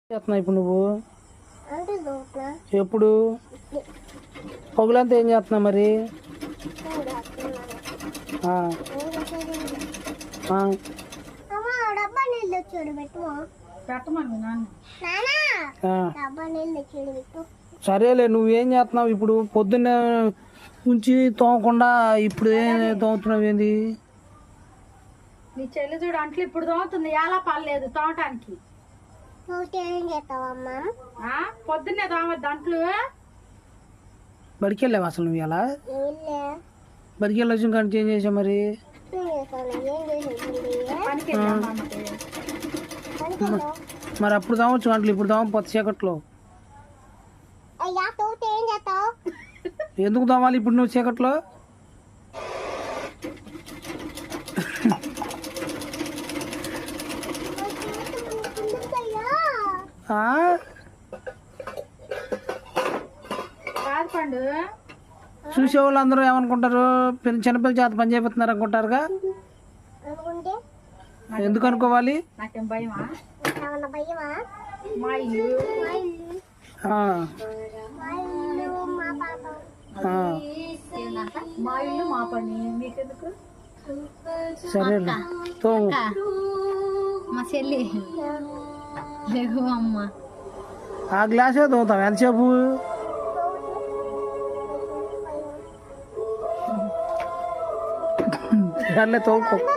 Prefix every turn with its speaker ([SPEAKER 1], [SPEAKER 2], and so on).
[SPEAKER 1] చేస్తున్నావు ఇప్పుడు నువ్వు? ఎప్పుడు పగులంతా ఏం చేస్తున్నావు మరి? సరేలే, నువ్వేం చేస్తున్నావు ఇప్పుడు? పొద్దున్న ఉంచి తోమకుండా ఇప్పుడు ఏం తోముతున్నావు? ఏంది
[SPEAKER 2] నీ చెల్లి చూడు అంట్లు ఇప్పుడు తోముతుంది, ఎలా పర్లేదు తోమటానికి. పొద్దున్నే తోమద్దు అంట్లు.
[SPEAKER 1] బడికి వెళ్ళావు అసలు నువ్వు? ఎలా బడికి వెళ్ళొచ్చు కానీ ఏం చేసావు మరి? మరి అప్పుడు తోమొచ్చు అంట్లు, ఇప్పుడు తోమపోతే చీకట్లో. ఎందుకు తోమాలి ఇప్పుడు నువ్వు చీకట్లో? చూసే వాళ్ళు అందరూ ఏమనుకుంటారు? చిన్నపిల్ల చేత పని చేపిస్తున్నారు అనుకుంటారుగా. ఎందుకు అనుకోవాలి? సరే తోము.
[SPEAKER 2] మా చెల్లి అమ్మ
[SPEAKER 1] ఆ గ్లాసే తోముతాం ఎంతసేపు? తోముకో.